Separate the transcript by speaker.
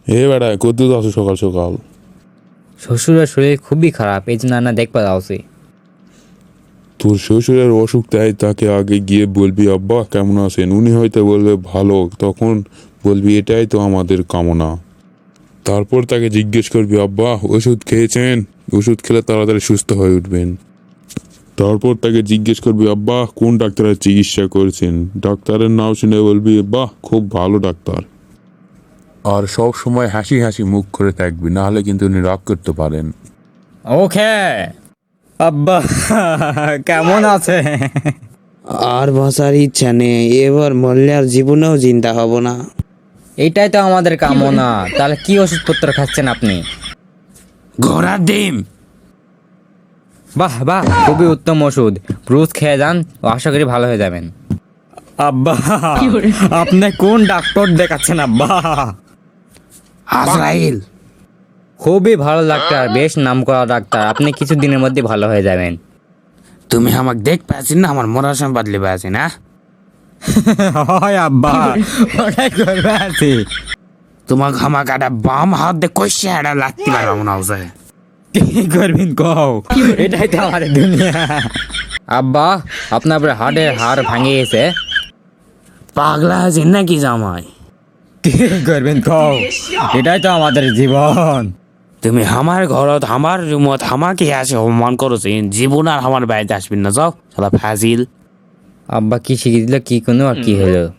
Speaker 1: এ বেটা কত আছো সকাল সকাল?
Speaker 2: শ্বশুরের শরীর খুবই খারাপ, এই জন্য না দেখতে যাচ্ছি।
Speaker 1: তোর শ্বশুরের অসুখ তাই তাকে আগে গিয়ে বলবি আব্বা কেমন আছেন, উনি হয়তো বলবে ভালো, তখন বলবি এটাই তো আমাদের কামনা। তারপর তাকে জিজ্ঞেস করবি আব্বা ওষুধ খেয়েছেন, ওষুধ খেলে তাড়াতাড়ি সুস্থ হয়ে উঠবেন। তারপর তাকে জিজ্ঞেস করবি আব্বা কোন ডাক্তারের চিকিৎসা করছেন, ডাক্তারের নাম শুনে বলবি বাহ খুব ভালো ডাক্তার। আর সব সময় হাসি হাসি মুখ করে থাকবি, নাহলে কিন্তু উনি রাগ করতে পারেন।
Speaker 2: ওকে আব্বা, কেমন আছে?
Speaker 3: আর বাঁচার ইচ্ছা নেই, এবার মরলে আর জীবনেও চিন্তা হব না।
Speaker 2: এইটাই তো আমাদের কামনা। তাহলে কি ওষুধপত্র খাচ্ছেন আপনি?
Speaker 3: ঘোড়ার ডিম।
Speaker 2: বাহ বাহ, খুবই উত্তম ওষুধ। রোজ খেয়ে যান, ও আশা করি ভালো হয়ে যাবেন। আব্বা, আপনি কোন ডাক্তার দেখাচ্ছেন আব্বা?
Speaker 3: আজরাইল।
Speaker 2: খুবই ভালো ডাক্তার, বেশ নামকরা ডাক্তার। আপনি কিছু দিনের মধ্যে ভালো হয়ে যাবেন।
Speaker 3: তুমি আমাকে দেখ পাচ্ছি না, আমার মরার সময় বাদলে পাচ্ছি না।
Speaker 2: হয় আব্বা, ওটাই করবে আছি।
Speaker 3: তোমাকে আমাকে একটা বাম হাত দিয়ে কষে একটা লাগতে পারবো মনে হচ্ছে।
Speaker 2: কি করবেন কও, এটাই তো আমাদের দুনিয়া। আব্বা, আপনার হাড়ের হাড় ভাঙে গেছে।
Speaker 3: পাগলা আছেন নাকি জামাই?
Speaker 2: কি করবেন কও, এটাই তো আমাদের জীবন।
Speaker 3: তুমি আমার ঘরত আমার রুমত আমাকে আসে অপমান করছেন, জীবন আর আমার বাড়িতে আসবেন না, যাও শালা ফাজিল।
Speaker 2: আব্বা কি শিখিয়ে দিল, কি কোনো আর কি হলো?